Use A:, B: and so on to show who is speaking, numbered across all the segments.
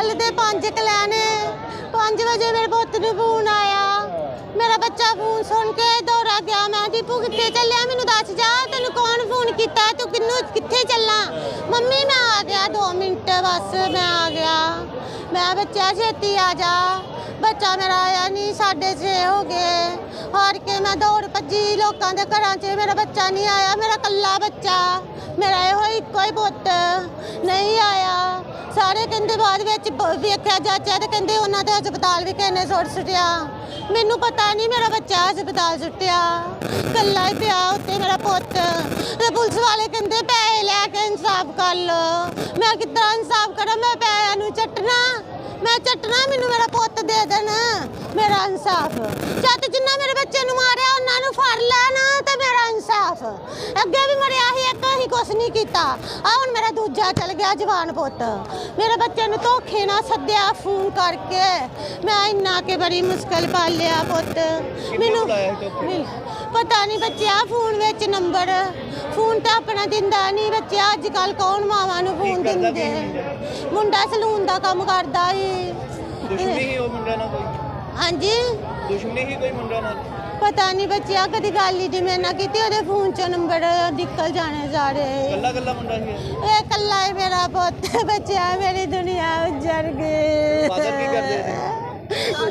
A: ਚੱਲਦੇ 5 ਕਲਿਆਣੇ 5 ਵਜੇ ਮੇਰੇ ਪੁੱਤ ਨੂੰ ਫੋਨ ਆਇਆ। ਮੇਰਾ ਬੱਚਾ ਫੋਨ ਸੁਣ ਕੇ ਦੌੜਾ ਗਿਆ। ਮੈਂ ਦੀਪੂ ਕਿੱਥੇ ਚੱਲਿਆ, ਮੈਨੂੰ ਦੱਸ ਜਾ, ਤੈਨੂੰ ਕੌਣ ਫੋਨ ਕੀਤਾ, ਤੂੰ ਕਿੱਥੇ ਚੱਲਾਂ? ਮੰਮੀ ਮੈਂ ਆ ਗਿਆ 2 ਮਿੰਟ ਬਸ ਮੈਂ ਆ ਗਿਆ। ਮੈਂ ਬੱਚਾ ਛੇਤੀ ਆ ਜਾ। ਬੱਚਾ ਮੇਰਾ ਆਇਆ ਨਹੀਂ। 6:30 ਹੋ ਗਏ। ਹਾਰ ਕੇ ਮੈਂ ਦੌੜ ਭੱਜੀ ਲੋਕਾਂ ਦੇ ਘਰਾਂ 'ਚ। ਮੇਰਾ ਬੱਚਾ ਨਹੀਂ ਆਇਆ, ਮੇਰਾ ਕੱਲਾ ਬੱਚਾ, ਮੇਰਾ ਇਹੋ ਇੱਕੋ ਹੀ ਪੁੱਤ ਨਹੀਂ ਆਇਆ। ਸਾਰੇ ਕਹਿੰਦੇ ਬਾਅਦ ਵਿੱਚ ਵੇਖਿਆ ਜਾਚਿਆ ਤੇ ਕਹਿੰਦੇ ਉਹਨਾਂ ਦੇ ਹਸਪਤਾਲ ਵੀ ਕਿਸੇ ਨੇ ਸੁੱਟਿਆ। ਮੈਨੂੰ ਪਤਾ ਨਹੀਂ ਮੇਰਾ ਬੱਚਾ ਹਸਪਤਾਲ ਸੁੱਟਿਆ, ਕੱਲਾ ਹੀ ਪਿਆ ਉੱਤੇ ਮੇਰਾ ਪੁੱਤ। ਤੇ ਪੁਲਿਸ ਵਾਲੇ ਕਹਿੰਦੇ ਪੈਸੇ ਲੈ ਕੇ ਇਨਸਾਫ ਕਰ ਲੋ। ਮੈਂ ਕਿੱਦਾਂ ਇਨਸਾਫ ਕਰਾਂ? ਮੈਂ ਪੈਸਿਆਂ ਨੂੰ ਚੱਟਣਾ, ਮੈਂ ਚੱਟਣਾ, ਮੈਨੂੰ ਮੇਰਾ ਪੁੱਤ ਦੇ ਦੇਣ, ਮੇਰਾ ਇਨਸਾਫ। ਜਦ ਜਿੰਨਾ ਮੇਰੇ ਬੱਚੇ ਨੂੰ ਮਾਰਿਆ ਉਹਨਾਂ ਨੂੰ ਫੜ ਲੈਣ ਤੇ ਮੇਰਾ ਇਨਸਾਫ। ਅੱਗੇ ਵੀ ਮਰਿਆ ਸੀ ਇੱਕ, ਅਸੀਂ ਕੁਛ ਨਹੀਂ ਕੀਤਾ। ਆ ਹੁਣ ਮੇਰਾ ਦੂਜਾ ਚਲ ਗਿਆ ਜਵਾਨ ਪੁੱਤ। ਮੇਰੇ ਬੱਚੇ ਨੂੰ ਧੋਖੇ ਨਾਲ ਸੱਦਿਆ ਫੋਨ ਕਰਕੇ। ਮੈਂ ਇੰਨਾ ਕਿ ਬੜੀ ਮੁਸ਼ਕਲ ਪਾਲਿਆ ਪੁੱਤ। ਮੈਨੂੰ ਪਤਾ ਨਹੀਂ ਬੱਚਿਆ ਫੋਨ ਵਿੱਚ ਨੰਬਰ, ਫੋਨ ਤਾਂ ਆਪਣਾ ਦਿੰਦਾ ਨਹੀਂ ਬੱਚਿਆ। ਅੱਜ ਕੱਲ ਕੌਣ ਮਾਵਾਂ ਨੂੰ ਫੋਨ ਦਿੰਦੇ? ਮੁੰਡਾ ਸਲੂਨ ਦਾ ਕੰਮ ਕਰਦਾ ਸੀ।
B: ਦੁਸ਼ਮਣੀ ਹੀ ਉਹ ਮੁੰਡਾ ਨਾਲ ਕੋਈ?
A: ਹਾਂਜੀ
B: ਦੁਸ਼ਮਣੀ ਹੀ ਕੋਈ ਮੁੰਡਾ ਨਾਲ?
A: ਪਤਾ ਨਹੀਂ ਬੱਚਿਆ, ਕਦੀ ਗੱਲ ਹੀ ਜਿਵੇਂ ਨਾ ਕੀਤੀ। ਉਹਦੇ ਫੋਨ 'ਚੋਂ ਨੰਬਰ ਨਿਕਲ ਜਾਣੇ ਸਾਰੇ।
B: ਕੱਲਾ ਮੁੰਡਾ ਸੀ
A: ਇਹ ਕੱਲਾ ਹੀ ਮੇਰਾ ਪੁੱਤ ਬੱਚਿਆ। ਮੇਰੀ ਦੁਨੀਆ ਉਜੜ ਗਈ।
B: ਫਾਦਰ ਕੀ ਕਰਦੇ ਸੀ?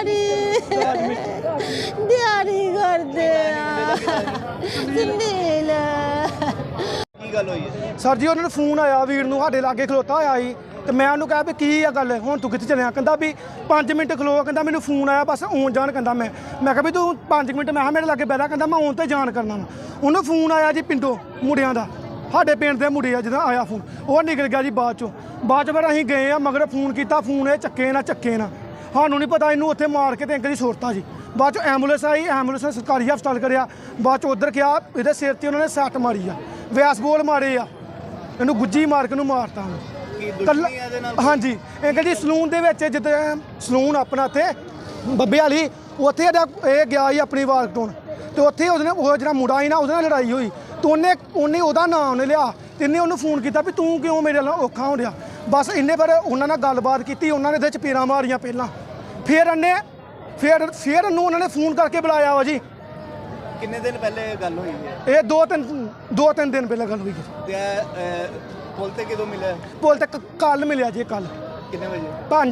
A: ਦਿਹਾੜੀ ਕਰਦੇ ਆ। ਸਿੰਦੀਲ
B: ਕੀ ਗੱਲ ਹੋਈ ਹੈ
C: ਸਰ ਜੀ? ਉਹਨਾਂ ਨੂੰ ਫੋਨ ਆਇਆ, ਵੀਰ ਨੂੰ ਸਾਡੇ ਲਾਗੇ ਖਲੋਤਾ ਹੋਇਆ ਸੀ ਤੇ ਮੈਂ ਉਹਨੂੰ ਕਿਹਾ ਵੀ ਕੀ ਆ ਗੱਲ, ਹੁਣ ਤੂੰ ਕਿੱਥੇ ਚੱਲਿਆ? ਕਹਿੰਦਾ ਵੀ 5 ਮਿੰਟ ਖਲੋ। ਕਹਿੰਦਾ ਮੈਨੂੰ ਫੋਨ ਆਇਆ ਬਸ ਆਉਣ ਜਾਣ। ਕਹਿੰਦਾ ਮੈਂ ਕਿਹਾ ਵੀ ਤੂੰ 5 ਮਿੰਟ, ਮੈਂ ਕਿਹਾ ਮੇਰੇ ਲਾਗੇ ਬਹਿ। ਕਹਿੰਦਾ ਮੈਂ ਆਉਣ ਤੇ ਜਾਣ ਕਰਨਾ ਵਾ। ਉਹਨੂੰ ਫੋਨ ਆਇਆ ਜੀ ਪਿੰਡੋਂ ਮੁੰਡਿਆਂ ਦਾ, ਸਾਡੇ ਪਿੰਡ ਦੇ ਮੁੰਡੇ ਆ, ਜਦੋਂ ਆਇਆ ਫੋਨ ਉਹ ਨਿਕਲ ਗਿਆ ਜੀ ਬਾਅਦ 'ਚੋਂ ਫਿਰ ਅਸੀਂ ਗਏ ਆ ਮਗਰ ਫੋਨ ਕੀਤਾ, ਫੋਨ ਇਹ ਚੱਕੇ ਨਾ ਸਾਨੂੰ ਨਹੀਂ ਪਤਾ। ਇਹਨੂੰ ਉੱਥੇ ਮਾਰ ਕੇ ਤੇ ਅੰਕਲ ਜੀ ਛੋੜਤਾ ਜੀ। ਬਾਅਦ 'ਚ ਐਂਬੂਲੈਂਸ ਆਈ, ਐਂਬੂਲੈਂਸ ਨੇ ਸਰਕਾਰੀ ਹਸਪਤਾਲ ਕਰਿਆ। ਬਾਅਦ 'ਚ ਉੱਧਰ ਗਿਆ, ਇਹਦੇ ਸਿਰ 'ਤੇ ਉਹਨਾਂ ਨੇ ਸੱਟ ਮਾਰੀ ਆ, ਵਿਆਸ ਬੋਲ ਮਾਰੇ ਆ, ਇਹਨੂੰ ਗੁੱਜੀ ਮਾਰ ਕੇ ਨੂੰ ਮਾਰਤਾ। ਹਾਂਜੀ ਅੰਕਲ ਜੀ ਸਲੂਨ ਦੇ ਵਿੱਚ, ਜਿੱਦਾਂ ਸਲੂਨ ਆਪਣਾ ਇੱਥੇ ਬੱਬੇ ਵਾਲੀ, ਉੱਥੇ ਇਹ ਗਿਆ ਸੀ ਆਪਣੀ ਵਾਰ ਕਟਾਉਣ ਤੇ ਉੱਥੇ ਉਹਦੇ ਨਾਲ ਉਹ ਜਿਹੜਾ ਮੁੰਡਾ ਸੀ ਨਾ, ਉਹਦੇ ਨਾਲ ਲੜਾਈ ਹੋਈ ਤੇ ਉਹਨੇ ਉਹਦਾ ਨਾਮ ਉਹਨੇ ਲਿਆ ਤੇ ਇਹਨੇ ਉਹਨੂੰ ਫੋਨ ਕੀਤਾ ਵੀ ਤੂੰ ਕਿਉਂ ਮੇਰੇ ਨਾਲ ਔਖਾ ਹੋ ਰਿਹਾ। ਬਸ ਇੰਨੇ ਪਰ ਉਹਨਾਂ ਨਾਲ ਗੱਲਬਾਤ ਕੀਤੀ। ਉਹਨਾਂ ਨੇ ਇਹਦੇ ਚਪੇੜਾਂ ਮਾਰੀਆਂ ਪਹਿਲਾਂ, ਫਿਰ ਉਹਨੂੰ ਉਹਨਾਂ ਨੇ ਫੋਨ ਕਰਕੇ ਬੁਲਾਇਆ ਵਾ ਜੀ।
B: ਕਿੰਨੇ ਦਿਨ ਪਹਿਲੇ ਗੱਲ ਹੋਈ ਹੈ
C: ਇਹ 2-3 ਦਿਨ ਪਹਿਲਾਂ ਗੱਲ ਹੋਈ ਹੈ।
B: ਤੇ ਪੁੱਲ ਤੇ ਕਿਦੋਂ ਮਿਲਿਆ?
C: ਪੁੱਲ ਤੇ ਕੱਲ ਮਿਲਿਆ ਜੀ। ਕੱਲ
B: ਕਿੰਨੇ ਵਜੇ?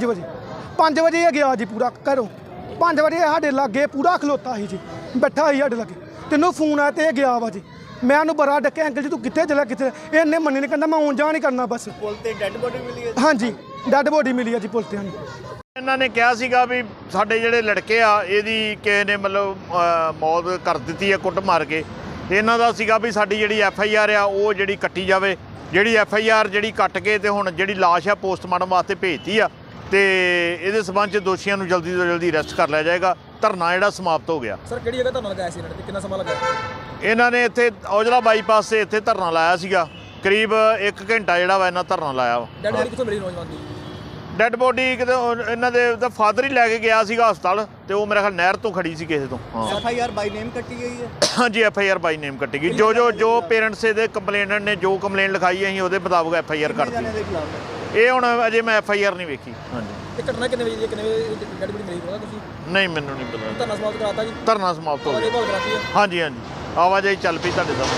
C: 5 ਵਜੇ ਇਹ ਗਿਆ ਜੀ ਪੂਰਾ ਘਰੋਂ। 5 ਵਜੇ ਸਾਡੇ ਲਾਗੇ ਪੂਰਾ ਖਲੋਤਾ ਸੀ ਜੀ, ਬੈਠਾ ਸੀ ਸਾਡੇ ਲਾਗੇ। ਤੈਨੂੰ ਫੋਨ ਆਇਆ ਤੇ ਇਹ ਗਿਆ ਵਾ ਜੀ। ਮੈਂ ਉਹਨੂੰ ਬੜਾ ਡੱਕਿਆ, ਅੰਕਲ ਜੀ ਤੂੰ ਕਿੱਥੇ ਚਲਾ ਕਿੱਥੇ? ਇਹਨੇ ਮੰਨੇ ਨਹੀਂ, ਕਹਿੰਦਾ ਮੈਂ ਆਉਣ ਜਾਣ ਨਹੀਂ ਕਰਨਾ ਬਸ।
B: ਪੁੱਲ ਤੇ ਡੈੱਡ ਬੋਡੀ ਮਿਲੀ ਹੈ?
C: ਹਾਂਜੀ ਡੈੱਡ ਬੋਡੀ ਮਿਲੀ ਆ ਜੀ ਪੁੱਲ ਤੇ। ਹਾਂਜੀ
D: ਇਹਨਾਂ ਨੇ ਕਿਹਾ ਸੀਗਾ ਵੀ ਸਾਡੇ ਜਿਹੜੇ ਲੜਕੇ ਆ ਇਹਦੀ ਕਿਸੇ ਨੇ ਮਤਲਬ ਮੌਤ ਕਰ ਦਿੱਤੀ ਹੈ ਕੁੱਟ ਮਾਰ ਕੇ। ਤੇ ਇਹਨਾਂ ਦਾ ਸੀਗਾ ਵੀ ਸਾਡੀ ਜਿਹੜੀ FIR ਆ ਉਹ ਜਿਹੜੀ ਕੱਟੀ ਜਾਵੇ। ਜਿਹੜੀ FIR ਜਿਹੜੀ ਕੱਟ ਕੇ ਤੇ ਹੁਣ ਜਿਹੜੀ ਲਾਸ਼ ਆ ਪੋਸਟਮਾਰਟਮ ਵਾਸਤੇ ਭੇਜਤੀ ਆ ਤੇ ਇਹਦੇ ਸਬੰਧ 'ਚ ਦੋਸ਼ੀਆਂ ਨੂੰ ਜਲਦੀ ਤੋਂ ਜਲਦੀ ਅਰੈਸਟ ਕਰ ਲਿਆ ਜਾਏਗਾ। ਧਰਨਾ ਜਿਹੜਾ ਸਮਾਪਤ ਹੋ ਗਿਆ।
E: ਸਰ ਕਿਹੜੀ ਜਗ੍ਹਾ ਧਰਨਾ ਲਗਾਇਆ ਸੀ ਇਹਨਾਂ ਨੇ, ਕਿੰਨਾ ਸਮਾਂ ਲੱਗਾ?
D: ਇਹਨਾਂ ਨੇ ਇੱਥੇ ਔਜਲਾ ਬਾਈਪਾਸ ਤੇ ਇੱਥੇ ਧਰਨਾ ਲਾਇਆ ਸੀਗਾ। ਕਰੀਬ 1 ਘੰਟਾ ਜਿਹੜਾ ਵਾ ਇਹਨਾਂ ਧਰਨਾ ਲਾਇਆ ਵਾ।
E: ਡੈਡ ਬੋਡੀ ਕਿੱਥੋਂ ਮਿਲੀ ਨੌਜਵਾਨ ਦੀ?
D: ਡੈੱਡ ਬੋਡੀ ਕਿਤੇ ਇਹਨਾਂ ਦੇ ਤਾਂ ਫਾਦਰ ਹੀ ਲੈ ਕੇ ਗਿਆ ਸੀਗਾ ਹਸਪਤਾਲ ਤੇ ਉਹ ਮੇਰੇ ਖਿਆਲ ਨਹਿਰ ਤੋਂ ਖੜੀ ਸੀ ਕਿਸੇ ਤੋਂ। ਹਾਂ
B: FIR ਬਾਈ ਨੇਮ ਕੱਟੀ ਗਈ ਹੈ?
D: ਹਾਂਜੀ FIR ਬਾਈ ਨੇਮ ਕੱਟੀ ਗਈ। ਜੋ ਪੇਰੈਂਟਸ ਦੇ ਕੰਪਲੇਨੈਂਟ ਨੇ ਜੋ ਕੰਪਲੇਂਟ ਲਿਖਾਈ ਅਸੀਂ ਉਹਦੇ ਮੁਤਾਬਕ FIR ਕੱਟਤੀ।
B: ਦੇ ਖਿਲਾਫ
D: ਇਹ ਹੁਣ ਅਜੇ ਮੈਂ FIR ਨਹੀਂ ਵੇਖੀ। ਹਾਂਜੀ
E: ਇਹ ਘਟਨਾ ਕਿੰਨੇ ਵਜੇ ਦੀ, ਕਿੰਨੇ ਵਜੇ ਡੈਡ ਬੋਡੀ ਮਿਲੀ ਪਤਾ ਤੁਸੀਂ?
D: ਨਹੀਂ ਮੈਨੂੰ ਨਹੀਂ ਪਤਾ।
E: ਧਰਨਾ ਸਮਾਪਤ ਕਰਾਤਾ ਜੀ?
D: ਧਰਨਾ ਸਮਾਪਤ ਹੋ ਗਿਆ।
E: ਕਰਾਤੀ ਹੈ?
D: ਹਾਂਜੀ ਆਵਾਜਾਈ ਚੱਲ ਪਈ ਤੁਹਾਡੇ ਸਾਹਮਣੇ।